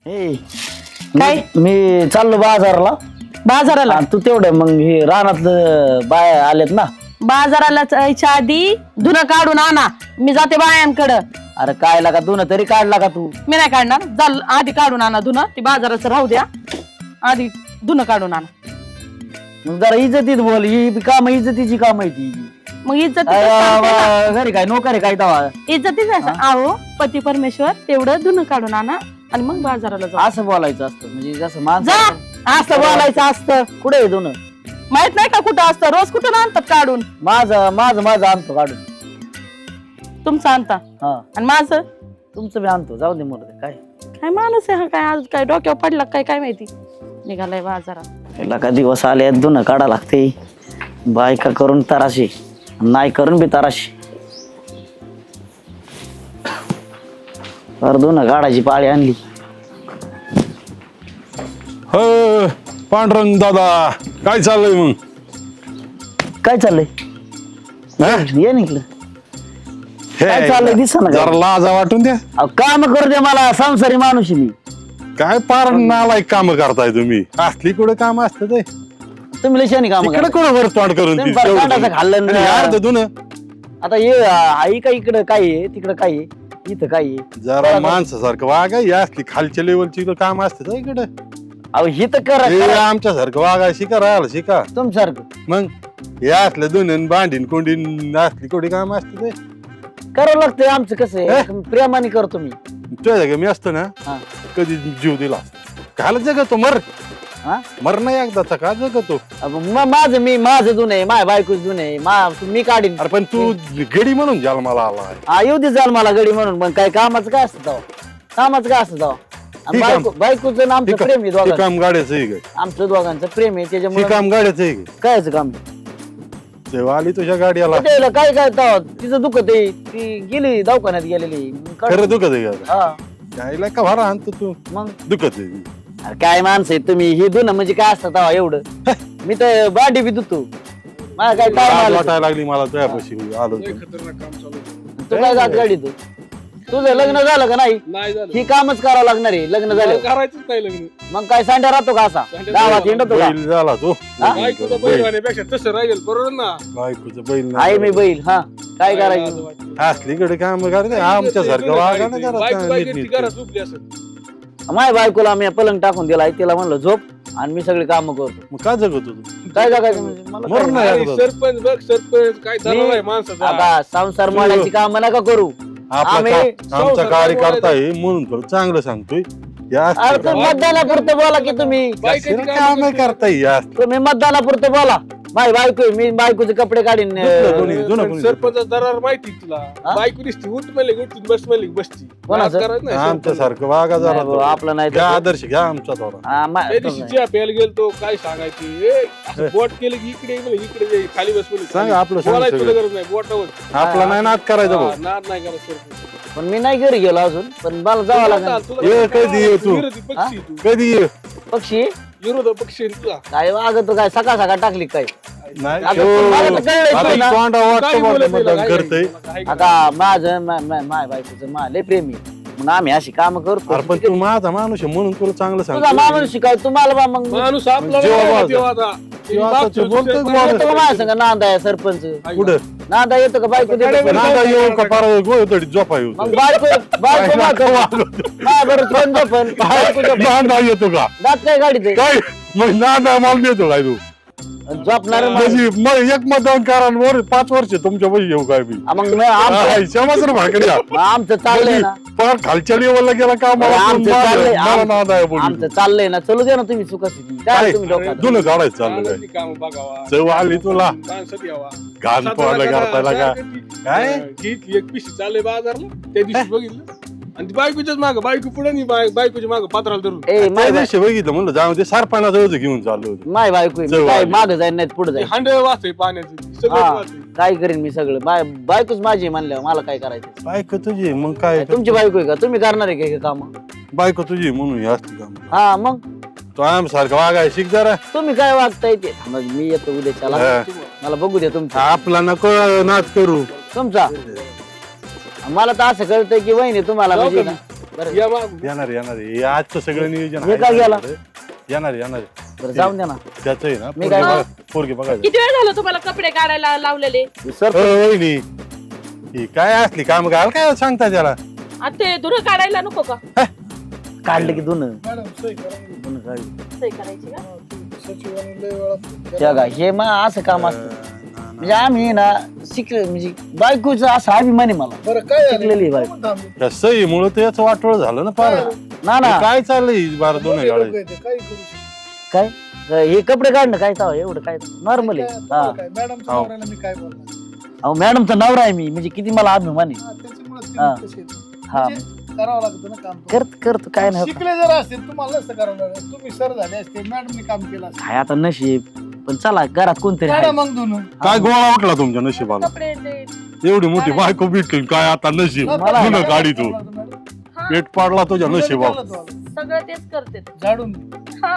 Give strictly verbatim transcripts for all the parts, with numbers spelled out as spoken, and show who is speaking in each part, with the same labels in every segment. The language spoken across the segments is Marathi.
Speaker 1: ए
Speaker 2: काय?
Speaker 1: मी चाललो बाजारला.
Speaker 2: बाजाराला
Speaker 1: आणि तू तेवढं मग हे रानातलं बाय आलेत ना.
Speaker 2: बाजाराला जायच्या आधी धुणं काढून आणा. मी जाते बायांकडं.
Speaker 1: अरे काय लागा तू ना तरी काढला का तू?
Speaker 2: मी नाही काढणार. चाल आधी काढून आणा धुणं. ती बाजाराचं राहू द्या. आधी धुणं काढून आणा.
Speaker 1: मग जरा इज्जतीत बोल. ही काम इज्जतीची काम आहे ती.
Speaker 2: मग इज्जत
Speaker 1: घरी काय नोकर काय तवा?
Speaker 2: इज्जतीच आहो पती परमेश्वर तेवढं धुणं काढून आणा आणि मग बाजाराला जा.
Speaker 1: असं बोलायचं असतं म्हणजे जसं माणसं.
Speaker 2: जा असं बोलायचं असतं.
Speaker 1: कुठे आहे दोन?
Speaker 2: माहित नाही का कुठं असतं? रोज कुठं आणतात काढून?
Speaker 1: माझं माझं माझं आणतो काढून.
Speaker 2: तुमचं आणता
Speaker 1: हा
Speaker 2: आणि माझं
Speaker 1: तुमचं मी आणतो. जाऊ दे मोर काय
Speaker 2: काय माणूस आहे हा? काय आज काय डोक्यावर पडला काय काय माहिती. निघालाय बाजारात.
Speaker 1: त्याला का दिवस आले दोन काढा लागते. बायका करून तराशी नाही करून बी तराशी. दोन काढायची पाळी आणली.
Speaker 3: हो पांडुरंग दादा काय चाललंय मग?
Speaker 1: काय चाललंय?
Speaker 3: हा?
Speaker 1: ये निघलं
Speaker 3: हे,
Speaker 1: काय चाललंय दिसेना काय?
Speaker 3: जरा लाजा वाटून द्या.
Speaker 1: काम करू दे मला. संसारी माणूस आहे मी.
Speaker 3: काय पार नालायक काम करताय तुम्ही. असली कुठे काम असतं ते
Speaker 1: तुम्ही लशाने काम
Speaker 3: इकडे कुठे वर तोंड करून
Speaker 1: तुम्ही
Speaker 3: ती
Speaker 1: बरं
Speaker 3: तेवढं
Speaker 1: काटाचं खाल्लं
Speaker 3: आणि
Speaker 1: ना.
Speaker 3: अर्ध धुणं.
Speaker 1: आता ये आई का इकडं काय आहे तिकडं काय आहे इथं काय आहे.
Speaker 3: जरा माणसासारखं वागा. ही असली खालच्या लेवलची काम असते इकडे.
Speaker 1: अहो ही तर करा
Speaker 3: आमच्या सारखं वागा शिका राहायला शिका.
Speaker 1: तुमच्यासारखं
Speaker 3: मग हे असलं धुणं भांडीन कोंडीन असली कुठे काम असते ते
Speaker 1: करावं लागतंय. आमचं कसं आहे प्रेमाने करतो मी.
Speaker 3: तुझ्या जागा मी असतो ना
Speaker 1: हा
Speaker 3: कधी जीव दिला काल जगतो मर
Speaker 1: हा
Speaker 3: मर नाही एकदाचा का जगतो.
Speaker 1: अब म- माझं मी माझं जुन आहे. माझ्या बायकोच जुन आहे. मा- मी काढीन.
Speaker 3: अरे पण तू गडी म्हणून जन्माला आलाय.
Speaker 1: हा येऊ दे जाल मला गडी म्हणून. मग काय कामाचं काय असतं तेव्हा? कामाचं काय असतं तेव्हा? आणि
Speaker 3: ठीक आहे.
Speaker 1: बायको बायकोचं ना आमचं प्रेम आहे
Speaker 3: हे
Speaker 1: दोघांचं.
Speaker 3: काम गाड्याचं आहे काय?
Speaker 1: आमचं दोघांचं प्रेम आहे
Speaker 3: हे
Speaker 1: त्याच्यामुळे
Speaker 3: काम गाड्याचं आहे काय?
Speaker 1: कायच काम
Speaker 3: तेव्हा आली तुझ्या गाडीला
Speaker 1: त्याला काय काय तेव्हा तिचं दुखत आहे. ती गेली दवाखान्यात गेलेली. मग काढ-
Speaker 3: खरं दुखत आहे का?
Speaker 1: हा
Speaker 3: गायला का भरा आणतो तू
Speaker 1: मग
Speaker 3: दुखत आहे.
Speaker 1: अरे काय माणसं आहे तुम्ही. ही दुन म्हणजे काय असतं तेव्हा एवढं? मी तर बाडी बी दुतो. मला काय ताव
Speaker 3: लाज
Speaker 1: आलं.
Speaker 3: वाटायला लागली मला तुझ्यापाशी आलो तर.
Speaker 1: तू काय जात गाडी तू? तुझं लग्न झालं का नाही?
Speaker 4: नाही झालं
Speaker 1: ही कामच करावं लागणार आहे लग्न झालं.
Speaker 4: करायचंच नाही लग्न.
Speaker 1: मग काय सांड्या राहतो का असा गावात हिंडतो का?
Speaker 3: बैल झाला तो
Speaker 4: बायकोचं बैल होण्यापेक्षा तसं राहील बरोबर ना.
Speaker 3: बायकोचं बैल
Speaker 1: आई मी
Speaker 3: नाही.
Speaker 1: बैल. हा काय करायचं?
Speaker 3: असली कडे काम करते आमच्या सारखं वागा ना
Speaker 4: बायको
Speaker 3: जरा
Speaker 4: बायको ती
Speaker 3: नीट-नीट.
Speaker 4: घरात झोपली असं.
Speaker 1: माझ्या बायकोला आम्ही पलंग टाकून दिला. तिला म्हणलं झोप आणि मी सगळी काम करतो.
Speaker 3: मग का जगतो तू?
Speaker 1: काय जगायचं म्हणजे मला
Speaker 3: मरून
Speaker 1: काय-
Speaker 3: नाही.
Speaker 4: अरे
Speaker 3: अगोदर.
Speaker 4: सरपंच बघ सरपंच काय झालं आहे माणसाचा.
Speaker 1: आता संसार मांडायची काम नका करू.
Speaker 3: आपला
Speaker 1: आम्ही
Speaker 3: का- आमचा कार्यकर्ता आहे म्हणून तुला चांगलं सांगतोय या असली
Speaker 1: अरे तुम्ही मतदानापुरतं बोला की तुम्ही.
Speaker 4: बायकाची
Speaker 3: काम
Speaker 4: कामं
Speaker 3: नाही
Speaker 4: करते.
Speaker 3: करता या असली.
Speaker 1: तुम्ही मतदानापुरतं बोला. माझी बायको आहे. मी बायकोचे कपडे काढीन.
Speaker 3: दुसरं कोणी- जुनं कोणी-
Speaker 4: सरपंच दरार माहिती तुला.
Speaker 1: हा?
Speaker 4: बायको दिसती उठ म्हणले उठून बस म्हणले बसती.
Speaker 1: कोणाचं?
Speaker 4: राजकारण नाही
Speaker 3: आमच्या
Speaker 4: सरपंच.
Speaker 3: सारखं वागा जरा
Speaker 1: नाही भाऊ,
Speaker 3: तो.
Speaker 1: आपलं नाही
Speaker 3: घ्या
Speaker 1: तसं.
Speaker 3: आदर्श घ्या आमचा थोडा.
Speaker 1: हा, मा-
Speaker 4: त्या दिवशी चहा प्यायला गेलतो काय सांगायचे ए, असं बोट केलं की इकडे म्हणलं इकडे जाई, खाली बस म्हणलं
Speaker 3: सांग
Speaker 4: खाली.
Speaker 3: आपलं सांग
Speaker 4: बोलायचं तुला
Speaker 3: सगळं.
Speaker 4: गरज नाही बोटावर.
Speaker 3: आपला नाही नाद करायचा भाऊ.
Speaker 4: हा, नाद नाही करत सरपंच.
Speaker 1: पण मी नाही घरी गेलो अजून. पण मला जावं लागेल.
Speaker 4: तुला
Speaker 3: ये,
Speaker 4: काय
Speaker 3: कधी ये तू?
Speaker 4: विरोधी पक्षी तू
Speaker 3: कधी ये?
Speaker 1: पक्षी
Speaker 4: विरोध पक्षी आहे तुला.
Speaker 1: काय वागतो काय सकाळ सकाळ टाकली काय.
Speaker 3: नाही
Speaker 1: आता
Speaker 3: हो.
Speaker 1: तुम्हाला तर कळलंय
Speaker 3: आता
Speaker 1: की ना.
Speaker 3: तोंडा
Speaker 4: काय
Speaker 3: वाटतं
Speaker 4: बोलत
Speaker 3: बोलतं
Speaker 4: नाही,
Speaker 3: मतदान
Speaker 4: काय
Speaker 3: करतंय.
Speaker 4: काय-
Speaker 1: आता माझं मा- मा- माय बायकोचं मा लय प्रेमी. मग आम्ही अशी काम करतो.
Speaker 3: अरे पण तू माझा माणूस आहे म्हणून तुला चांगलं
Speaker 1: तुझा
Speaker 3: सांगतो.
Speaker 1: माणूस शिकाय तुम्हाला बा मग
Speaker 4: माणूस आपला
Speaker 3: जेव्हा
Speaker 4: नाही
Speaker 3: वाजा.
Speaker 4: तेव्हा आता.
Speaker 3: तेव्हा
Speaker 4: बाप
Speaker 3: आता तू
Speaker 4: दुसऱ्या
Speaker 3: बोलतोय
Speaker 4: कोणाला
Speaker 3: बोलत.
Speaker 1: येतो का माझ्या संग नांदा आहे सरपंच?
Speaker 3: कुठं
Speaker 1: नांदा येतो का बायको देतो का?
Speaker 3: नादा येऊ का पारा गोळतडी झोपा येऊ
Speaker 1: मग बायको बायको माझ्याबरोबर कोण झोपन? बायको झोपन.
Speaker 3: नादा येतो का
Speaker 1: दात काय गाडीत
Speaker 3: काय मग नादा मला देतो काय तू
Speaker 1: झोपणार
Speaker 3: म्हणजे मग एक मतदान करा आणि वर पाच वर्ष तुमच्या पैसे येऊ काय मी
Speaker 1: मग मी- आमचं
Speaker 3: क्षमाच भाकरी
Speaker 1: मग आमचं चाललंय ना.
Speaker 3: फार खालच्या लेवलला गेला का मला
Speaker 1: आमचं
Speaker 3: मला
Speaker 1: चाललंय
Speaker 3: मला नाद आहे
Speaker 1: आम- आमचं
Speaker 3: बोलू
Speaker 1: चाललंय ना. चलू दे ना तुम्ही सुखासुखी. काय तुम्ही डोक्यात?
Speaker 3: तुला काढायचं चाललं काय
Speaker 4: माणसाची कामं बघावा.
Speaker 3: चव आली तुला
Speaker 4: माणसात यावा.
Speaker 3: घाण पोहायला करतायला का काय?
Speaker 4: घेतली एक पिशी चालले बाजारला त्या दिवशी बघितलं आणि ती बायकोच्याच माग बायको पुढे नाही बाय- बायकोच्या माग पात्राला धरून
Speaker 1: ए
Speaker 3: त्या
Speaker 1: माय बाय-
Speaker 3: दिवशी बघितलं म्हणलं जाऊ ते सारपाना जवळ घेऊन चाललो होतो
Speaker 1: माय बायको आहे. मी
Speaker 3: चव
Speaker 1: काय
Speaker 3: आली.
Speaker 1: माग जाईन नाही पुढे जाईन.
Speaker 4: हांड वाचतंय पाण्याचं सगळं
Speaker 1: हा
Speaker 4: वाचतंय.
Speaker 1: काय करीन मी सगळं. बाय बायकोच माझी आहे म्हणल्यावर मला काय करायचं?
Speaker 3: बायको तुझी मग काय
Speaker 1: तुमची बायको आहे का? तुम्ही करणार आहे का हे काम?
Speaker 3: बायको तुझी म्हणून हे असते काम
Speaker 1: हा मग
Speaker 3: तो आम सारखं वागाय शिक जरा
Speaker 1: तुम्ही काय वागताय ते. मग मी येतो उद्याच्याला.
Speaker 3: हा.
Speaker 1: मला बघू द्या तुमचा
Speaker 3: आपला नको नाच करू
Speaker 1: तुमचा. मला तर असं कळतंय की वहिनी तुम्हाला
Speaker 4: जाऊ
Speaker 1: म्हणजे
Speaker 4: का
Speaker 1: ना बरं.
Speaker 4: या मागून.
Speaker 3: येणार येणार हे आजचं सगळं नियोजन
Speaker 1: हे
Speaker 3: आहे
Speaker 1: काय गेला?
Speaker 3: आपल्याकडे. येणार येणार
Speaker 1: बरं जाऊन द्या ना
Speaker 3: त्याच आहे ना
Speaker 1: मी
Speaker 3: पोरगी
Speaker 1: काय-
Speaker 3: बघा- पोरगी बघायचं
Speaker 2: किती वेळ झालं तुम्हाला कपडे काढायला लावलेले
Speaker 1: सर
Speaker 3: वहिनी ही काय असली काम घाल काय सांगता त्याला
Speaker 2: आता ते धुरं काढायला नको का
Speaker 1: काढलं की दोन
Speaker 4: मॅडम सही करा.
Speaker 1: दोन काढली
Speaker 2: सही करायची का
Speaker 4: सचिवांनी लय वेळा
Speaker 1: त्या का हे मग असं काम असतं म्हणजे आम्ही ना शिकले म्हणजे बायकोचं असं अभिमान आहे मला
Speaker 4: बरं काय झालं?
Speaker 1: शिकलेली बायको
Speaker 4: कोण थांबलं?
Speaker 3: त्या सही मुळे त्याच वाटोळ झालं ना पार
Speaker 1: ना ना
Speaker 3: हे काय चाललंय बारा दोन
Speaker 4: मोठे
Speaker 3: गाड्या
Speaker 4: लोकं आहेत, काही करू शकत
Speaker 1: काय हे कपडे काढणं काय ताव एवढं काय नॉर्मल
Speaker 4: नाही.
Speaker 1: आहे
Speaker 4: काय-
Speaker 1: हा
Speaker 4: तुम्हाला काय? मॅडमच्या
Speaker 3: हो.
Speaker 4: नवऱ्याला मी काय बोलणार
Speaker 1: अहो मॅडमचा नवरा आहे मी म्हणजे किती मला अभिमान आहे
Speaker 4: हा, त्याच्यामुळेच ते
Speaker 1: हा.
Speaker 4: तसे आहेत.
Speaker 1: हा
Speaker 4: म्हणजे करावं लागतं ना काम
Speaker 1: करत करतो काय नाही होत.
Speaker 4: शिकले जर असतील तुम्हाला नसतं करावं लागलं तुम्ही सर झाले असते मॅडमने काम केलं असतं
Speaker 1: काय आता नशीब पण चला घरात कोणतरी
Speaker 4: काढा
Speaker 1: आहे.
Speaker 4: मग धुणं.
Speaker 3: काय गोळा वाटला तुमच्या नशिबाला
Speaker 2: कपडे ते
Speaker 3: एवढी मोठी बायको भेटली काय आता नशीब
Speaker 1: मला-
Speaker 3: धुणं गाडी तू
Speaker 4: मॅडम.
Speaker 2: हा,
Speaker 3: पेट पाडला तुझ्या
Speaker 4: धुणं
Speaker 3: नशिबावर
Speaker 4: केलं तुम्हाला.
Speaker 2: सगळं तेच करते
Speaker 4: झाडून
Speaker 2: हा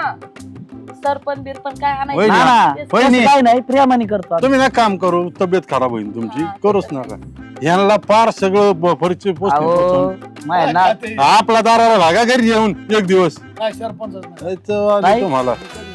Speaker 2: सरपण बिरपण काय
Speaker 3: वहिनी,
Speaker 2: आणायचं
Speaker 1: ना ना
Speaker 2: तेच
Speaker 3: वहिनी.
Speaker 1: तसं काय नाही प्रेमाने करतो आम्ही.
Speaker 3: तुम्ही ना काम करू तब्येत खराब होईल तुमची
Speaker 2: हा,
Speaker 3: करूच नका ह्यांना पार सगळं ब- परिचय
Speaker 1: अहो
Speaker 3: पोचतील
Speaker 1: माय ना
Speaker 4: ते-
Speaker 3: आपला दाराला लागा घरी येऊन एक दिवस
Speaker 4: काय सरपंचच नाही.
Speaker 3: यायचं आलं
Speaker 1: नाही.
Speaker 3: तुम्हाला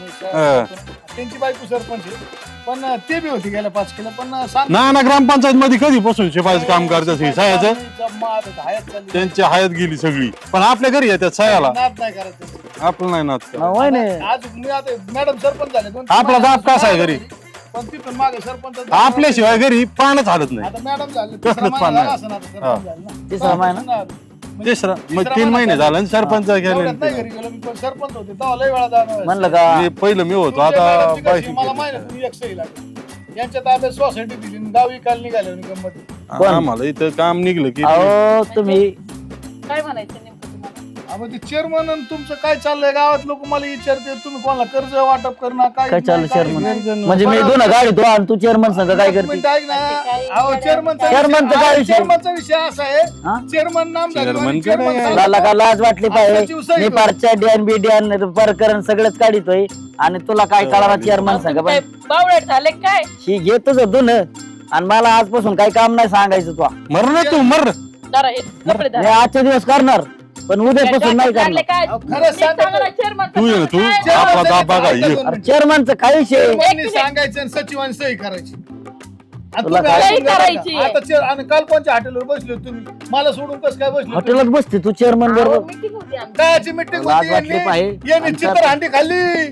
Speaker 4: हा. त्यांची बायको सरपंच आहे पण ते बी होती गेल्या पाच किलो पण सांग-
Speaker 3: ना ना ग्रामपंचायत मध्ये कधीपासून शिपायचं काम करतात हे सायाचं
Speaker 4: मात हयात चालली.
Speaker 3: त्यांची हयात गेली सगळी पण आपल्या घरी येतात सायाला
Speaker 4: नाद नाही करायचं
Speaker 3: आपलं नाही नात
Speaker 1: अहो,
Speaker 3: करायचं.
Speaker 1: होय ना
Speaker 4: आज मी आता मॅडम सरपंच झाले दोन-
Speaker 3: आपला दाब कसा आहे घरी?
Speaker 4: पण तिथून मागे सरपंच
Speaker 3: आपल्याशिवाय घरी पानच हालत नाही
Speaker 4: आता मॅडम झाले
Speaker 3: कसलंच
Speaker 4: तिसरा महिना
Speaker 3: पान
Speaker 4: झाला
Speaker 3: नाही.
Speaker 4: असेल आता सरपंच झाले ना.
Speaker 1: तिसरा महिना?
Speaker 4: म्हणजे
Speaker 3: तिसरा मग
Speaker 4: तिसरा
Speaker 3: तीन महिने
Speaker 4: महिना
Speaker 3: झालं आणि सरपंच
Speaker 4: एवढ्यात नाही
Speaker 3: गेले
Speaker 4: घरी गेलो मी पण सरपंच होते तेव्हा लय वेळा जाणं
Speaker 1: म्हणलं का
Speaker 3: मी पहिलं मी होतो
Speaker 4: तुमच्या
Speaker 3: आता
Speaker 4: मॅडमची कशी,
Speaker 3: बायकी
Speaker 4: मला माहिती आहे, तुम्ही एक सही लागली यांच्या ताब्यात सोसायटी दिली आणि गावी काल निघाले आणि गंमत
Speaker 1: कोण?
Speaker 3: आम्हाला इथं काम निघलं की
Speaker 1: अहो तुम्ही
Speaker 2: काय म्हणायचं नेमकं तुम्हाला
Speaker 4: अहो ते चेअरमन तुमचं काय चाललंय गावात लोक मला विचारते तुम्ही कोणाला कर्ज वाटप करणार काय
Speaker 1: काय चाललं
Speaker 4: नाही, काय
Speaker 1: चेअरमन
Speaker 4: नाही.
Speaker 1: म्हणजे मी दोन गाडी तो आणि तू चेअरमन संघ काय
Speaker 4: एक
Speaker 1: करते
Speaker 4: मिनिट ऐक ना
Speaker 2: ते काय
Speaker 4: अहो चेअरमनचा
Speaker 1: चेअरमनचा काय विषय?
Speaker 4: चेअरमनचा विषय असा आहे
Speaker 1: हा?
Speaker 4: चेअरमन नाम झालं
Speaker 3: चेअरमन
Speaker 4: आणि
Speaker 3: कडे
Speaker 4: चेअरमन
Speaker 3: आहे.
Speaker 4: झालं.
Speaker 1: लाला का लाज वाटली
Speaker 4: आताची
Speaker 1: पाहिजे
Speaker 4: उसळी
Speaker 1: मी
Speaker 4: तो.
Speaker 1: पारच्या डॅन बी डॅन प्रकरण सगळंच काढितोय आणि तुला काय कळणार चेअरमन संघ
Speaker 2: काय
Speaker 1: पण
Speaker 2: बावळट झाले काय
Speaker 1: ही घेतच दोन आणि मला आजपासून काही काम नाही सांगायचं तू
Speaker 3: मर ना तू मर
Speaker 2: जरा हे कपडे
Speaker 1: मी
Speaker 2: धरा.
Speaker 1: आजच्या दिवस करणार पण उद्यापासून नाही
Speaker 2: लागले
Speaker 1: करणार
Speaker 2: काय
Speaker 4: अहो, खरं सांगा
Speaker 2: चांगला chairman
Speaker 3: तू ये ना तू
Speaker 2: काय?
Speaker 3: आपला दाब बघा ये
Speaker 1: अरे चेअरमनचं काही विषय
Speaker 4: चेअरमननी सांगायचं आणि सचिवांनी सही करायची आणि
Speaker 1: तुला
Speaker 4: तुम्ही
Speaker 1: काय-
Speaker 4: ऐकून
Speaker 2: सही
Speaker 4: घ्या
Speaker 2: करायची.
Speaker 4: बघा. आता चेअर- आणि काल कोणत्या हॉटेलवर बसले होते तुम्ही मला सोडून कसं काय बसले होते?
Speaker 1: हॉटेलात बसते तू चेअरमन
Speaker 2: अहो,
Speaker 1: बरोबर
Speaker 2: meeting होती आमची.
Speaker 4: कायची मिटिंग
Speaker 1: लाज
Speaker 4: होती
Speaker 1: वाटली
Speaker 4: यांनी
Speaker 1: पाहिजे.
Speaker 4: यांनी
Speaker 1: आणि
Speaker 4: चित्र
Speaker 1: त्यात-
Speaker 4: हांडी खाल्ली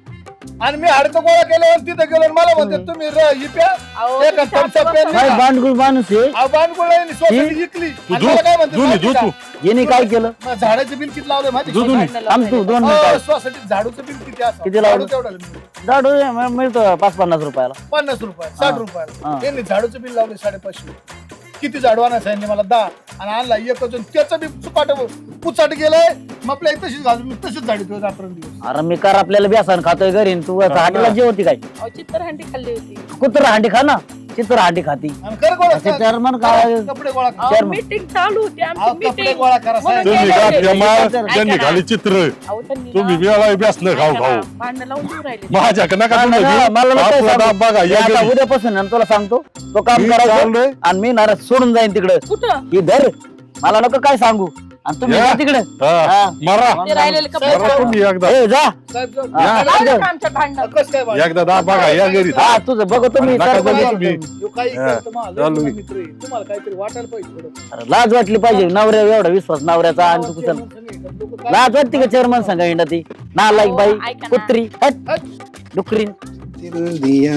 Speaker 4: आणि मी हाडकं गोळा केल्यावर तिथे गेलो आणि मला म्हणते तुम्ही र- ही प्या
Speaker 2: अहो,
Speaker 4: एका
Speaker 2: तुम्ही
Speaker 4: thumbs up
Speaker 2: शांत
Speaker 4: पेन
Speaker 2: बसा.
Speaker 1: काय बांडगुळ माणूस आहे
Speaker 4: अहो, बाणगोळा यांनी सोसायटी जिंकली
Speaker 3: तू
Speaker 4: आणि
Speaker 3: धू
Speaker 4: मला काय म्हणते
Speaker 3: धुनी
Speaker 4: माहिती
Speaker 3: धू
Speaker 4: का?
Speaker 3: तू
Speaker 1: याने काय केलं
Speaker 4: मग झाडाचं बिल किती लावलं माहिती
Speaker 3: धू
Speaker 4: का?
Speaker 3: धुनी
Speaker 2: भांडणं
Speaker 1: थांब तू
Speaker 2: लावून
Speaker 1: दोन
Speaker 4: हो,
Speaker 1: मिनिटं
Speaker 4: सोसायटीत झाडूचं बिल किती असं
Speaker 1: किती लावलं?
Speaker 4: झाडू तेवढं लावलं.
Speaker 1: झाडू म- मिळतो पाच पन्नास रुपयाला
Speaker 4: पन्नास रुपये साठ
Speaker 1: हा.
Speaker 4: रुपयाला
Speaker 1: हा.
Speaker 4: यांनी झाडूचं बिल लावले साडेपाचशे किती झाडू आणायचं सांगितले मला दहा आणि आणला एकच आणि त्याचं बी चुकाट पुचाट गेलंय मग आपल्या इथं तशीच घालून मी तशीच झाडी रात्रंदिवस
Speaker 1: अरे मी कर आपल्याला बेसन खातोय घरी आणि तू हॉटेलात जेवती काय
Speaker 2: अहो, चित्तर हंडी खाल्ली होती
Speaker 1: कुत्र हांडी खा ना चित्र हांडी खाती
Speaker 4: आणि खरं गोळा
Speaker 1: असे
Speaker 4: करा.
Speaker 1: चेअरमन काय
Speaker 4: कपडे गोळा करा.
Speaker 1: Chairman.
Speaker 2: मीटिंग चालू होती
Speaker 4: अहो,
Speaker 2: आमची
Speaker 4: कपडे
Speaker 2: मीटिंग
Speaker 4: गोळा करा साहेब.
Speaker 3: तुम्ही
Speaker 2: गेले
Speaker 3: का
Speaker 2: होते.
Speaker 3: प्रेमा
Speaker 1: ऐका
Speaker 3: त्यांनी
Speaker 2: ना.
Speaker 3: खाली चित्र
Speaker 2: अहो, त्यांनी
Speaker 3: तुम्ही
Speaker 2: ना-
Speaker 3: वेळा बेसनं खाऊ
Speaker 2: ऐका
Speaker 3: खाऊ
Speaker 2: ना, भांडणं लावून देऊ राहिले
Speaker 3: माझ्या नका
Speaker 1: मला
Speaker 3: तुम्ही
Speaker 1: ना- मला नको
Speaker 3: आपला
Speaker 1: सांगू.
Speaker 3: दाब बघा
Speaker 1: मी
Speaker 3: या
Speaker 1: आता
Speaker 3: घरी.
Speaker 1: उद्यापासून ना तुला सांगतो तो काम
Speaker 3: मी
Speaker 1: करायचं
Speaker 3: चाललोय.
Speaker 1: आणि मी नाराज सोडून जाईन तिकडे
Speaker 2: कुठं
Speaker 1: ही धर मला नको काय सांगू आणि तुम्ही
Speaker 3: या.
Speaker 1: जा तिकडे
Speaker 3: हा,
Speaker 1: हा.
Speaker 3: मरा
Speaker 2: ते राहिलेले कपडे
Speaker 4: साहेब,
Speaker 3: मरा तुम्ही एकदा
Speaker 1: ए जा
Speaker 4: साहेब, जाऊ.
Speaker 1: हा.
Speaker 4: हा.
Speaker 2: लावलं का आमच्या भांडण
Speaker 4: कसं काय बाळा?
Speaker 3: एकदा दाब बघा या घरी
Speaker 1: हा तुझं बघतो मी
Speaker 3: नका
Speaker 1: तर
Speaker 3: बघू
Speaker 1: बघतो.
Speaker 3: तुम्ही.
Speaker 4: ह्यो काही
Speaker 3: हा.
Speaker 4: करतो मला, लय
Speaker 3: चालू
Speaker 4: जुना
Speaker 3: मी.
Speaker 4: मित्र आहे. तुम्हाला काहीतरी वाटायला पाहिजे थोडं.
Speaker 1: अरे, लाज वाटली पाहिजे नवऱ्या एवढा विश्वास नवऱ्याचा आणि तू कुठं
Speaker 4: लोकं काय-
Speaker 1: लाज वाटते का चेअरमन सांगा इंडा ती ना लाईक बाई
Speaker 2: ऐका ना.
Speaker 1: कुत्री हट
Speaker 4: हट.
Speaker 1: डुकरीन
Speaker 5: दिल दिया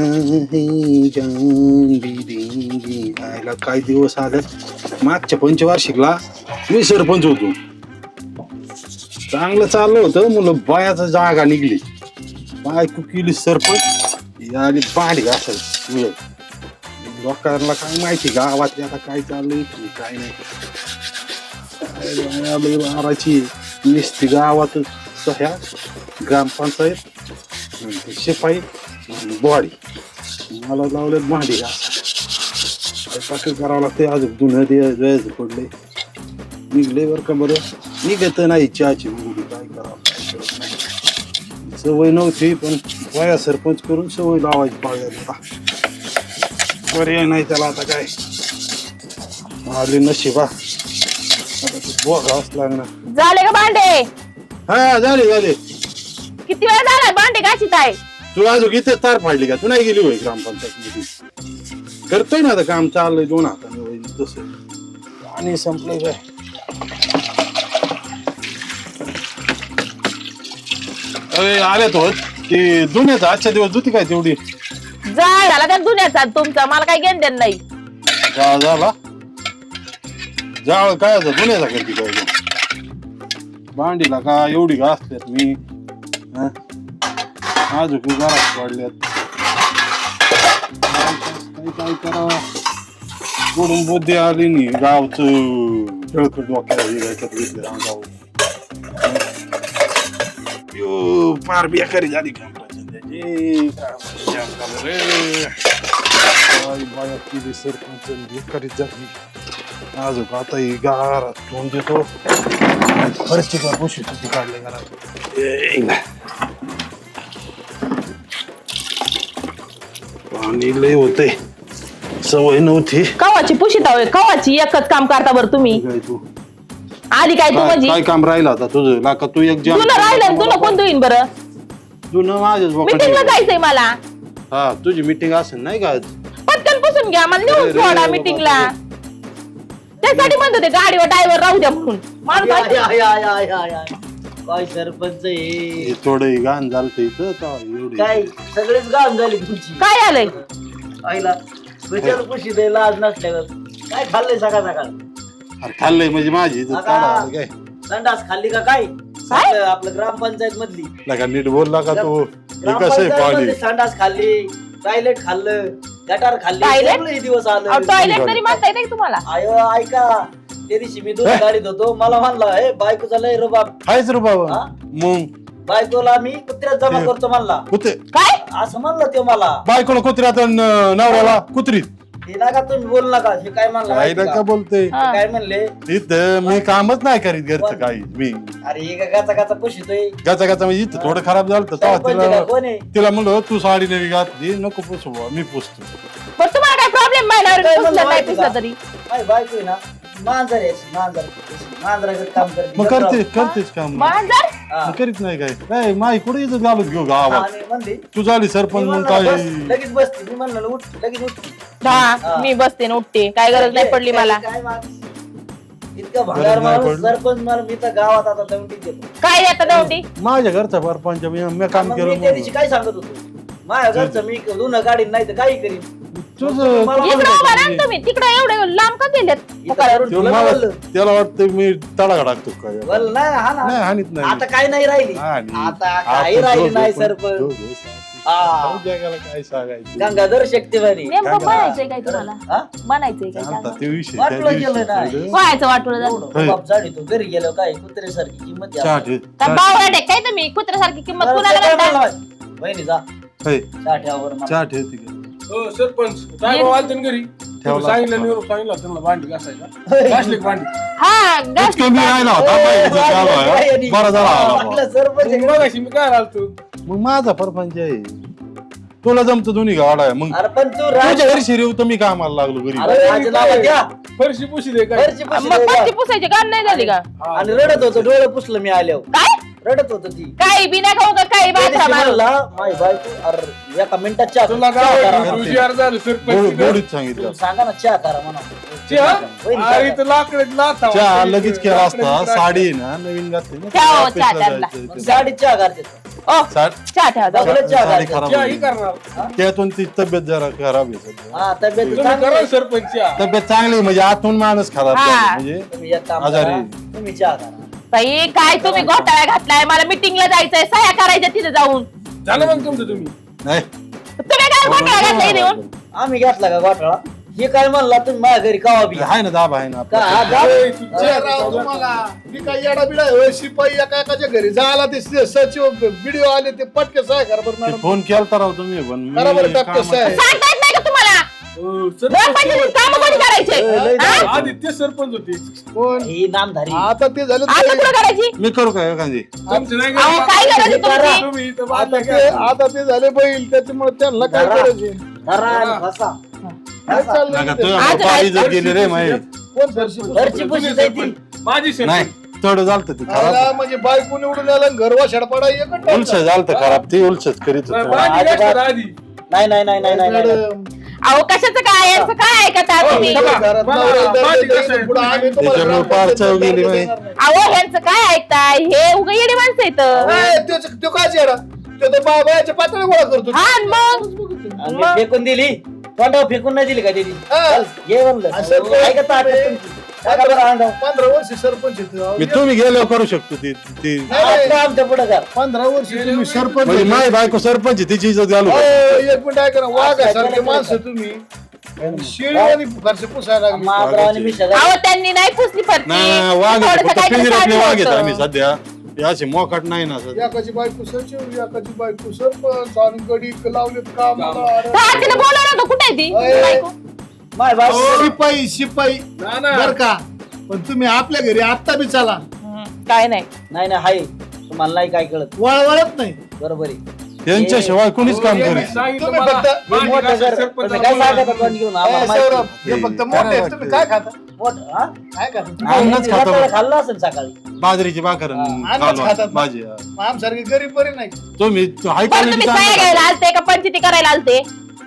Speaker 5: है जान भी देंगे. आयला काय दिवस आले मागच्या पंचवार्षिकला मी सरपंच होतो चांगलं चाललं होतं मुलं बायाचा जागा निघली बायको केली सरपंच आली बाडी असेल लोकांना काय माहिती गावातली आता काय चाललंय काय नाही काय बाया लय मारायची नुसती गावातच सह्या ग्रामपंचायत शिपाई बॉडी मला लावलेत भांडी घासायला करावं लागते आज जुनं द्यायचं पडले निघले बरं का बरं निघत नाही चहाची मुली काय करावं काय करत नाही सवय नव्हती पण वया सरपंच करून सवय लावायची पाहिजे पर्याय नाही त्याला आता काय आले नशिबा आता ते बघावंच लागणार.
Speaker 2: झाले का भांडे?
Speaker 5: हा झाले झाले.
Speaker 2: किती वेळ झाला भांडे घाशीत आहे?
Speaker 5: तू अजून इथे तार फाडली का? तू नाही गेली होय ग्रामपंचायत मध्ये? करतोय ना आता काम चाललंय दोन हाताने होय तसं. आणि संपलंय काय? अरे आल्यात होत ते दुनियाचा आजच्या दिवस धुती काय तेवढी
Speaker 2: जाळ झाला त्या दुन्याचा तुमचा, मला काही घेण देण नाही.
Speaker 5: जाळ झाला. जाळ काय दुनियाचा करते काय? भांडीला का एवढी घासल्यात मी हा? अजून घरात पडल्यात. काय काय करावं? बुडून बुद्धी आली नी गावचं खेळखट डोक्याला याच्यात घेतलं अंगावर. यो फार बेकारी झाली काम त्याची. बाया केली सरपंच बेकारीच झाली. अजून आता ही गारात तोंड देतो. खरंच का पोशी तुझी काढले घरात. पाणी लय होते, सवय नव्हती.
Speaker 2: कवाची पुशीत आहोय, कवाची एकच काम करता बरं तुम्ही.
Speaker 5: काय तू
Speaker 2: आली काय तू
Speaker 5: काय
Speaker 2: माझी?
Speaker 5: काय काम राहिलं आता तुझं? लाका तू एक जण
Speaker 2: तुला राहिलं तुला कोण देईन बरं?
Speaker 5: तुला माझ्याच
Speaker 2: मीटिंगला
Speaker 5: बोकांडी.
Speaker 2: जायचंय मला.
Speaker 5: हा तुझी मीटिंग असेल नाही का आज?
Speaker 2: पटकन पुसून घ्या, मला
Speaker 5: अरे
Speaker 2: नेऊन
Speaker 5: रे
Speaker 2: सोडा
Speaker 5: बाबा,
Speaker 2: मीटिंगला. त्यासाठी म्हणत होते गाडीवर ड्रायव्हर राहू द्या म्हणून. माणूस
Speaker 1: आय,
Speaker 2: ऐकतो.
Speaker 1: आय, आय, आय, आय, आय. काय सरपंच आहे
Speaker 5: हे थोडं गाण झालं इथं तेव्हा एवढी.
Speaker 1: काय सगळेच गाम झाली तुमची.
Speaker 2: काय आलंय?
Speaker 1: आईला विचार खुशी द्यायला आज नसल्यावर काय खाल्लंय सकाळ सकाळ?
Speaker 5: अरे खाल्लंय म्हणजे माझी इज्जत
Speaker 1: आता-
Speaker 5: काढा काय?
Speaker 1: संडास खाल्ली का काय? आपलं आपलं ग्रामपंचायत मधली
Speaker 5: लगा नीट बोलला का तू? हे कसं आहे
Speaker 1: ग्रामपंचायत
Speaker 5: पाणी?
Speaker 1: मधली संडास खाल्ली, टॉयलेट खाल्लं, गटार खाल्ली,
Speaker 2: Toilet?
Speaker 1: सगळे दिवस
Speaker 2: अहो,
Speaker 1: आलं.
Speaker 2: टॉयलेट तरी म्हणता येते तुम्हाला?
Speaker 1: आयो ऐका, त्या दिवशी मी दूध गाडीत होतो, मला म्हणला हे बायकोचा लय रुबाब.
Speaker 5: हायच रे बाबा.
Speaker 1: हा?
Speaker 5: मग
Speaker 1: बायकोला मी कुत्र्यात जमा करतो म्हणला.
Speaker 5: कुत्रे
Speaker 2: काय?
Speaker 1: असं म्हणलं ते मला.
Speaker 5: बायकोला कुत्र्यात अन नवऱ्याला कुत्रीत.
Speaker 1: हे नका तुम्ही बोल नका. हे काय म्हणलं
Speaker 5: काय
Speaker 1: माहिती
Speaker 5: नका
Speaker 1: का?
Speaker 5: बोलते?
Speaker 2: हा.
Speaker 1: काय म्हणले?
Speaker 5: इथं मी कामच नाही करीत घरचं काही. मी
Speaker 1: अरे हे का गाचा गाचा पुशितोय.
Speaker 5: गाचा गाचा म्हणजे इथं थोडं खराब झालं तर तेव्हा
Speaker 1: सरपंच का
Speaker 5: तिला
Speaker 1: कोण आहे?
Speaker 5: तिला म्हणलं तू साडी नवी घातली नको पुसू बुवा, मी पुसतो.
Speaker 2: बरं तुम्हाला काय प्रॉब्लेम
Speaker 1: काय
Speaker 2: महिन्यावर
Speaker 1: म्हणलं
Speaker 2: पुसलं नाही
Speaker 1: माहिती
Speaker 2: पुसलं
Speaker 1: का?
Speaker 2: तरी?
Speaker 1: माझी बायको आहे ना मांजर आहे अशी, मांजर मांजरागत काम करते.
Speaker 5: मग करते करतेच काम.
Speaker 2: मांजर?
Speaker 1: हा.
Speaker 5: मग करीत नाही काय काय माई कुठे इथं घालून घेऊ गावात?
Speaker 1: आणि म्हणली
Speaker 5: तू झाली
Speaker 1: मी
Speaker 5: सरपंच म्हणून
Speaker 1: म्हणलं
Speaker 5: काय
Speaker 1: बस, लगेच बसते. मी म्हणलं उठ लगेच उठ.
Speaker 2: हा
Speaker 1: हा.
Speaker 2: मी बसते न उठते, काय गरज नाही पडली मला.
Speaker 1: काय माणूस? इतका भंगार
Speaker 5: गरज नाही
Speaker 1: माणूस
Speaker 5: पडली.
Speaker 1: सरपंच मला मी तर गावात आता दौंडी देतो.
Speaker 2: काय येतं दौंडी?
Speaker 5: माझ्या घरचा परपंच मी मी काम
Speaker 1: मग
Speaker 5: केलं
Speaker 1: मी त्या दिवशी
Speaker 5: म्हणून.
Speaker 1: काय सांगत होतो? माझ्या घरचं मी धुणं काढीन नाही तर काही करीन.
Speaker 5: तुझं
Speaker 1: मला
Speaker 2: इकडं उभा राहा ना तुम्ही, तिकडे एवढे लांब का गेलेत?
Speaker 1: इथं करून
Speaker 5: त्यो
Speaker 1: तुला
Speaker 5: मला
Speaker 1: बोललं.
Speaker 5: त्याला वाटतं मी तडाखा टाकतो काय.
Speaker 1: बोल नाही हा
Speaker 5: नाही
Speaker 1: ना.
Speaker 5: हानीत नाही.
Speaker 1: आता काय नाही राहिली.
Speaker 5: हानी.
Speaker 1: आता
Speaker 5: आपण
Speaker 1: काही राहिली
Speaker 5: दोघं
Speaker 1: नाही
Speaker 5: पण-
Speaker 1: सरपंच.
Speaker 5: दोघं सारखी.
Speaker 1: हा.
Speaker 5: जगाला काय सांगायचं?
Speaker 1: गंगाधर शक्तिवाणी.
Speaker 2: नेमकं
Speaker 5: काय
Speaker 2: म्हणायचंय काय तुम्हाला?
Speaker 1: हा?
Speaker 2: म्हणायचंय काय
Speaker 5: चालतं,
Speaker 2: सांगा?
Speaker 5: ते विषय त्या
Speaker 1: वाटलं
Speaker 5: दिवशी
Speaker 1: गेलं नाही.
Speaker 5: थोडं-
Speaker 2: व्हायचं वाटलं झालं.
Speaker 1: एवढं बाप झाडी तो घरी गेलो काय कुत्र्यासारखी किंमत द्या.
Speaker 5: चहा ठेव.
Speaker 2: का
Speaker 5: चहा-
Speaker 2: बावळट आहे काय तुम्ही? कुत्र्यासारखी किंमत
Speaker 1: बरं,
Speaker 2: कुणाला
Speaker 1: ते काय
Speaker 2: घालता?
Speaker 1: म्हणलं? वहिनी जा
Speaker 5: हे,
Speaker 1: चहा ठेवा बरं मला.
Speaker 5: चहा ठेव तिकडे.
Speaker 6: हो सरपंच काय भाऊ आलते ना घरी
Speaker 5: ठेवला.
Speaker 6: सांगितलं निरोप सांगितलं त्यांना भांडी घासायला घासले का भांडी
Speaker 2: हा गॅस
Speaker 5: इतकं मी राहिला होता बाई, इथं चालू आहे. बरं झालं आला
Speaker 1: आपलं
Speaker 5: बुवा.
Speaker 1: सरपंच
Speaker 6: मग मगाशी मी काय आलतो
Speaker 5: मग माझा परपंच आहे. तुला जमतं दोन्ही गाडा आहे मग
Speaker 1: अरे पण तू राज
Speaker 5: तुझ्या घरी शिरीव तर मी कामाला लागलो घरी.
Speaker 1: अरे राजीनामा द्या.
Speaker 6: फरशी पुशी दे काय
Speaker 1: घरची पुशी
Speaker 2: मग
Speaker 1: द्या.
Speaker 2: फरशी पुसायची काम नाही झाली का?
Speaker 1: आणि रडत होतो डोळे पुसलं मी आल्यावर.
Speaker 2: काय?
Speaker 1: रडत होतो ती
Speaker 2: काही बी नाही खाऊ का काही
Speaker 1: त्या
Speaker 2: बाजरा
Speaker 1: दिवशी
Speaker 2: मारू.
Speaker 1: म्हणला, माझी बायको अरे एका मिनिटात चहा
Speaker 6: तुला
Speaker 1: चहा
Speaker 6: काय
Speaker 1: करा.
Speaker 6: वाटलं? तुझी अर्ज झाली
Speaker 5: गोड-
Speaker 6: सरपंच
Speaker 5: गोडीत सांगितलं.
Speaker 1: तुम्ही सांगा ना चहा करा म्हणा.
Speaker 6: चहा?
Speaker 1: वहिनी
Speaker 6: अरे
Speaker 1: चहा
Speaker 6: इथं लाकड लाथा
Speaker 5: चहा लगेच केला असता. साडी आहे ना नवीन घातली ना.
Speaker 2: ठेवा हो,
Speaker 5: ऑफिसला
Speaker 2: चहा त्यांना.
Speaker 5: जायचं
Speaker 1: करा.
Speaker 5: इथं.
Speaker 1: साडी चहा करते.
Speaker 2: ओ
Speaker 5: साड-
Speaker 2: चहा ठेवा जाऊ.
Speaker 1: सगळं चहा
Speaker 5: साडी
Speaker 1: करते.
Speaker 5: खराब
Speaker 6: चहा ही
Speaker 5: होईल.
Speaker 6: करणार
Speaker 5: त्यातून ती तब्येत जरा खराब आहे सध्या.
Speaker 1: हा तब्येत
Speaker 6: तुम्ही
Speaker 1: चांगली
Speaker 6: करा
Speaker 1: आहे.
Speaker 6: सरपंच चहा
Speaker 5: तब्येत चांगली आहे, म्हणजे आतून माणूस खराब
Speaker 2: हा.
Speaker 5: झाला, म्हणजे
Speaker 1: तुम्ही एक काम
Speaker 5: आजारी.
Speaker 1: करा. तुम्ही चहा करा.
Speaker 2: बाई काय तुम्ही घोटाळा घातलाय? मला मीटिंगला जायचंय, सह्या करायच्या तिथे जाऊन.
Speaker 6: झालं मग तुमचं तुम्ही
Speaker 5: नाही
Speaker 2: तुम्ही काय घोटाळा घातलाय इथे येऊन?
Speaker 1: आम्ही घेतला का घोटाळा? हे काय म्हणला तुम्ही माझ्या घरी कावा बी
Speaker 5: आहे ना दाब आहे ना
Speaker 1: का
Speaker 5: आपला.
Speaker 1: हा जा.
Speaker 6: ए, तू
Speaker 4: जय
Speaker 6: चहा
Speaker 4: राव
Speaker 6: चालू
Speaker 4: तुम्हाला मी काय येडा बिडा आहे, होय, शिपाई एका एकाच्या घरी जायला ते स- सचिव व्हिडिओ आले ते पटके सहाय करा बरं
Speaker 5: ते
Speaker 4: मॅडम.
Speaker 5: फोन केलता राव तुम्ही पण मी
Speaker 4: करा बरं टपके
Speaker 5: कामात-
Speaker 4: सहाय.
Speaker 2: सांगता येत नाही का तुम्हाला?
Speaker 6: हो,
Speaker 2: ग्रामपंचायतीची
Speaker 6: सरपंच
Speaker 2: कामं कोणी करायचे?
Speaker 1: लय
Speaker 2: हा?
Speaker 1: झालं.
Speaker 6: आदित्य सरपंच होते
Speaker 4: कोण
Speaker 1: ही नामधारी
Speaker 4: आता ते झालं
Speaker 2: आता
Speaker 4: ते-
Speaker 2: कुठं करायची?
Speaker 5: मी करू का एखादी?
Speaker 6: तुमचं नाही
Speaker 2: अहो,
Speaker 6: का?
Speaker 2: काय गरज आहे तुमची?
Speaker 6: तुम्ही इथं
Speaker 4: आता
Speaker 6: बांधलं
Speaker 4: ते
Speaker 6: काय?
Speaker 4: आता ते झाले बैल त्याच्यामुळे त्यांना काय
Speaker 1: धरा.
Speaker 4: करायचे
Speaker 1: धरा आणि फसा.
Speaker 4: काय चाललंय
Speaker 5: नका
Speaker 4: ते?
Speaker 5: तुझ्या
Speaker 2: आज
Speaker 5: बापाला
Speaker 2: राहायचं.
Speaker 5: इज्जत गेली रे माहिती.
Speaker 4: कोण सरशी
Speaker 1: घरची पुशी जायची
Speaker 6: माझी शेण
Speaker 3: नाही थोडं झालं ते खराब
Speaker 4: मला म्हणजे बायको निवडून आला घरवा शेडपाडा एकच
Speaker 3: उलच झालं खराब ते उलचच करीत
Speaker 6: नाही,
Speaker 3: होतं
Speaker 6: माझी
Speaker 1: अजिबात-
Speaker 6: गोष्ट आधी
Speaker 1: नाही नाही नाही नाही नाही नाही.
Speaker 4: मॅडम,
Speaker 2: अहो कशाचं काय यांचं काय ऐकता
Speaker 6: हो,
Speaker 2: तुम्ही
Speaker 6: सभा.
Speaker 4: घरात
Speaker 6: मला
Speaker 4: नवऱ्याला दर
Speaker 6: माझी
Speaker 4: देता
Speaker 6: कसं आहे?
Speaker 4: पुढं आम्ही तुम्हाला
Speaker 3: त्याच्यामुळे
Speaker 4: ग्रामपंचायत
Speaker 3: पार चव गेली
Speaker 4: दर
Speaker 3: बाई.
Speaker 4: देणार नाही.
Speaker 2: अहो यांचं काय ऐकताय हे उगा येडी माणसं येतं
Speaker 4: नाही, त्योच- त्यो काय येडा? त्यो तर बा- बायाच्या पातळी गोळा करतो
Speaker 2: हा आणि मग
Speaker 1: आणि मी फेकून दिली तोंडावर फेकून नाही दिली का दिली
Speaker 4: हा.
Speaker 1: चल, घे म्हणलं
Speaker 4: असं पण
Speaker 1: ऐका ताकद
Speaker 4: तुम्ही-
Speaker 1: तुमची. टाका बरं अंगावर.
Speaker 4: पंधरा वर्ष सरपंच आहेत.
Speaker 3: मी तुम्ही गेल्यावर करू शकतो ते ते
Speaker 4: नाही, नाही.
Speaker 1: आता आमच्या पुढे कर
Speaker 4: पंधरा वर्ष तुम्ही सरपंच
Speaker 3: म्हणजे
Speaker 4: होते.
Speaker 3: माय बायको सरपंच आहे, तिची इज्जत घालू
Speaker 4: अहो,
Speaker 3: का?
Speaker 4: एक मिनिट ऐका ना वाघ
Speaker 1: असं
Speaker 4: सारखे
Speaker 1: केलं
Speaker 4: माणसं
Speaker 1: का?
Speaker 4: तुम्ही शेळी घरचे पुसायला लागले.
Speaker 1: महाबराव आणि मी शेजारी.
Speaker 2: अहो त्यांनी नाही पुसली फरची
Speaker 3: नाही वाघ आहे,
Speaker 2: थोडंसं
Speaker 3: फक्त
Speaker 2: काहीतरी
Speaker 3: पिंजऱ्यातले वाघ आहेत
Speaker 2: सांगितलं
Speaker 3: आम्ही
Speaker 2: होतं.
Speaker 3: सध्या हे असे मोकाट नाही ना सध्या.
Speaker 4: एकाची बायको सचिव एकाची बायको सरपंच आणि गडी लावलेत कामाला. अरे.
Speaker 2: हा, तिला बोलवलं होतं कुठे आहे ती
Speaker 4: अय.
Speaker 2: बायको?
Speaker 1: माय बाप
Speaker 4: शिपाई शिपाई
Speaker 6: ना ना
Speaker 4: बर का पण तुम्ही आपल्या घरी आत्ता बी चला
Speaker 2: हम्म, काय नाही
Speaker 1: नाही नाही हाय तुम्हाला नाही काय कळत
Speaker 4: वळवळत नाही
Speaker 1: बरोबर आहे
Speaker 3: यांच्याशिवाय कोणीच काम
Speaker 4: हो,
Speaker 3: करीत
Speaker 6: सांगितलं
Speaker 4: तुम्ही
Speaker 6: मला,
Speaker 4: फक्त-
Speaker 6: माझी
Speaker 1: मोठं
Speaker 6: कसं
Speaker 1: घर.
Speaker 6: सरपंच
Speaker 1: तुम्ही काय
Speaker 6: बोलवलं.
Speaker 1: सांगता तोंड घेऊन
Speaker 4: ए,
Speaker 1: आम्हाला
Speaker 4: सौरभ
Speaker 1: माहिती.
Speaker 4: हे फक्त मोठे आहेत. तुम्ही काय खाता
Speaker 1: मोठं, हा?
Speaker 4: काय खाता
Speaker 3: अन्नच खातो.
Speaker 1: रात्रीला खाल्लं असेल सकाळी
Speaker 3: बाजरीची भाकर
Speaker 4: अन्नच खातात.
Speaker 3: भाजी
Speaker 4: आमसारखी गरीब बरी नाही
Speaker 3: तुम्ही हाय
Speaker 2: बरं तुम्ही काय
Speaker 3: क्वालिटी
Speaker 2: घ्यायला आलते का पंचायती करायला आलते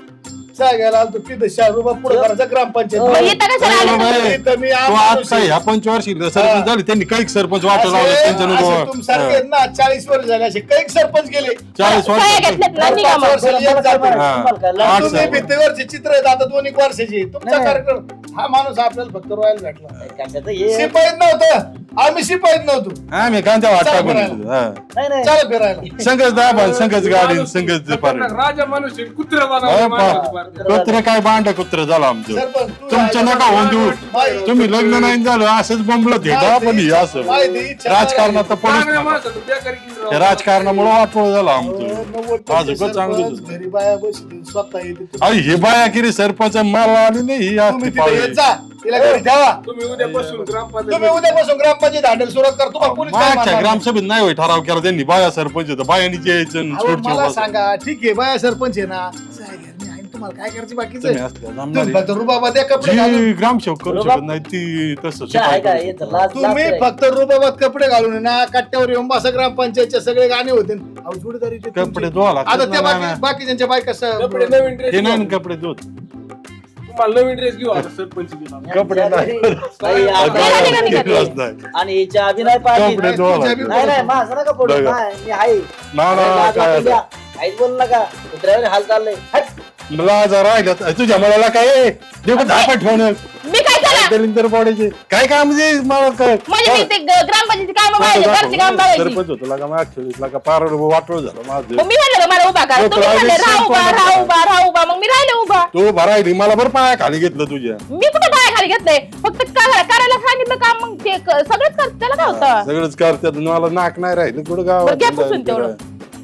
Speaker 4: चाय घ्यायला आलतो तिथं चार रुपये पुढे करायचा ग्रामपंचायत
Speaker 2: मग इथं कशाला आले तुम्ही?
Speaker 4: इथं मी
Speaker 3: तो
Speaker 4: आमदार
Speaker 3: आता ह्या पंचवार्षिक सरपंच झाले त्यांनी काही सरपंच वाटत लावले त्यांच्या
Speaker 4: असे- असे तुमच्यासारखे आहेत
Speaker 3: नको
Speaker 4: ना चाळीस वर्ष झाले असे काही सरपंच गेले
Speaker 3: चाळीस
Speaker 2: सह्या
Speaker 3: वर्ष
Speaker 2: घेतल्यात ना
Speaker 4: पाच
Speaker 2: निघा मग.
Speaker 4: वर्षाला एक जाते.
Speaker 3: हा.
Speaker 1: तुम्हाला काय
Speaker 3: आठ
Speaker 1: लाज-
Speaker 4: तुम्ही
Speaker 3: साहेब.
Speaker 4: भिंतीवरचे चित्र आहेत आता दोन एक वर्षाचे तुमचा
Speaker 1: नाही.
Speaker 4: कार्यक्रम हा माणूस आपल्याला फक्त रॉयल भेटला
Speaker 1: कशाचं हे?
Speaker 4: शिपाईत नव्हतं आम्ही शिपाईत नव्हतो
Speaker 3: आम्ही कांद्या वाट
Speaker 4: चला
Speaker 3: टाकून
Speaker 4: फिरायला.
Speaker 3: दिलं. हा.
Speaker 1: नाही नाही
Speaker 4: चला फिरायला
Speaker 3: संघच दाबा संघच गाडी संघच पार
Speaker 6: राजा माणूस आहे, कुत्रं
Speaker 3: हा,
Speaker 6: बनवलं
Speaker 3: पा-
Speaker 6: माणसाचं पार.
Speaker 3: कुत्र काय बांड कुत्र झालं आमचं
Speaker 4: सरपंच तू
Speaker 3: तुमच्या
Speaker 4: राहिला-
Speaker 3: नका होऊन देऊ
Speaker 4: माहिती-
Speaker 3: तुम्ही लग्न नाही झालं असंच बोंबलत हे का पण हे असं
Speaker 4: माहिती, इच्छा
Speaker 3: राजकारणात तर पडूच
Speaker 6: चांगल्या
Speaker 3: नका.
Speaker 6: माणसाचं बेकारी केली राव.
Speaker 3: त्या राजकारणामुळे वाटोळ झालं
Speaker 4: अहो,
Speaker 3: आमचं
Speaker 4: नव्वद टक्के
Speaker 3: आज उगाच चांगलं
Speaker 4: सरपंच,
Speaker 3: होतं.
Speaker 4: घरी बाया बसली स्वतः येते
Speaker 3: अरे हे बाया किरी सरपंच मला आली नाही ही
Speaker 4: तुम्ही
Speaker 3: असती
Speaker 4: तिथे
Speaker 3: पाळी.
Speaker 4: येत जा तिला घरी ठेवा
Speaker 6: तुम्ही उद्यापासून ग्रामपंचायत
Speaker 4: तुम्ही उद्यापासून ग्रामपंचायत हँडल सुरुवात कर तुम्हाला पोलीस काय
Speaker 3: मागच्या
Speaker 4: मारणार?
Speaker 3: ग्रामसभेत नाही होय ठराव केला त्यांनी बाया सरपंच होतं बायांनी यायचं आणि
Speaker 4: अहो,
Speaker 3: छोट
Speaker 4: मला
Speaker 3: छोट
Speaker 4: सांगा ठीक आहे बाया सरपंच आहे ना जाय घरी, मी आहे ना, तुम्हाला काय करायचं बाकीचं
Speaker 3: तुम्ही असल्या
Speaker 4: तुम्ही
Speaker 3: जमणारी.
Speaker 4: फक्त रुबाबा द्या कपडे घालून
Speaker 3: जी ग्रामसेवक करू
Speaker 1: बरोबर.
Speaker 3: शकत नाही ती तसं
Speaker 1: इच्छा आहे का
Speaker 3: शिपाई
Speaker 1: याचं
Speaker 3: करू
Speaker 1: लाज- लाज
Speaker 4: तुम्ही
Speaker 1: आहे.
Speaker 4: फक्त रुबाबात कपडे घालून आहे ना कट्ट्यावर येऊन बसा ग्रामपंचायतचे सगळे गाणे होते अहो, जोडीदारीचे
Speaker 3: शकतो.
Speaker 4: तुमचे.
Speaker 3: कपडे धुवा
Speaker 4: आता
Speaker 3: लागतात
Speaker 4: त्या
Speaker 3: ना,
Speaker 4: बाकी
Speaker 3: ना.
Speaker 4: बाकीच्यांच्या बायका स-
Speaker 6: कपडे नवीन ड्रेस
Speaker 3: ते नाही ना कपडे धुत
Speaker 6: तुम्हाला नवीन ड्रेस घेऊ आता सरपंच घेऊ.
Speaker 3: कपडे नाही.
Speaker 1: नाही, आता-
Speaker 2: नाही, नाही, नाही.
Speaker 3: धुतलाच नाही.
Speaker 1: आणि हिच्या आधी नाही पाहिजे
Speaker 3: कपडे धुवा
Speaker 4: तुझ्या
Speaker 3: लागतात.
Speaker 4: बी-
Speaker 1: नाही नाही माझं नका पडू
Speaker 3: बघा.
Speaker 1: नाही, मी आहे
Speaker 3: ना ना
Speaker 1: लाज
Speaker 3: काय
Speaker 1: वाटू
Speaker 3: आता.
Speaker 1: द्या. काहीच बोलू नका कुत्र्यावर हाल चाललंय हट.
Speaker 3: मला जरा राहिलं तुझ्या मुलाला काय देऊ का धापा ठेवणं
Speaker 2: मी काय झालं
Speaker 3: दलिंदर पडायचे काय काम म्हणजे मला काय
Speaker 2: म्हणजे मी ते ग- ग्रामपंचायती काम बघायचे घरची काम बघायची
Speaker 3: सरपंच होतो लागा मागच्या वेळेस लागा पार वाटोळ झालं माझं
Speaker 2: मग मी म्हणलं का मला उभा करा
Speaker 3: हो,
Speaker 2: तुम्ही
Speaker 3: तुला
Speaker 2: म्हणले
Speaker 3: आधी
Speaker 2: राहा उभा
Speaker 3: सरपंच
Speaker 2: राहा उभा राहा उभा मग मी राहिले उभा
Speaker 3: तू भरायली मला बरं पाया खाली घेतलं तुझ्या
Speaker 2: मी कुठे पाया खाली घेतलंय फक्त करा- करायला सांगितलं काम मग ते क- सगळंच कर त्याला काय होतं
Speaker 3: सगळंच करतात मला नाक नाही राहिलं कुठं
Speaker 2: बरं, घ्या पुसून
Speaker 3: गावात
Speaker 2: तेवढं.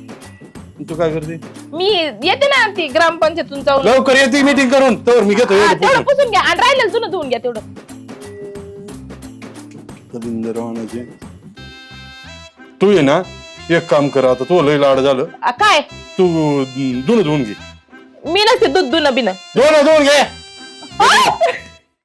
Speaker 3: तू काय करते
Speaker 2: मी येते ना ती ग्रामपंचायतून जाऊन
Speaker 3: लवकर येते मीटिंग करून तर मी घेतो
Speaker 2: हा,
Speaker 3: एवढं
Speaker 2: तेवढं
Speaker 3: पुसून.
Speaker 2: पुसून घ्या आणि राहिलेलं जुनं धुवून घ्या तेवढं
Speaker 3: दलिंदर वाहनाचे. तू ये ना एक काम कर आता तू लय लाड झालं
Speaker 2: आ, काय
Speaker 3: तू दुन धुवून घे
Speaker 2: मी नसते दूध धुणं बिन
Speaker 3: दोन धुवून घे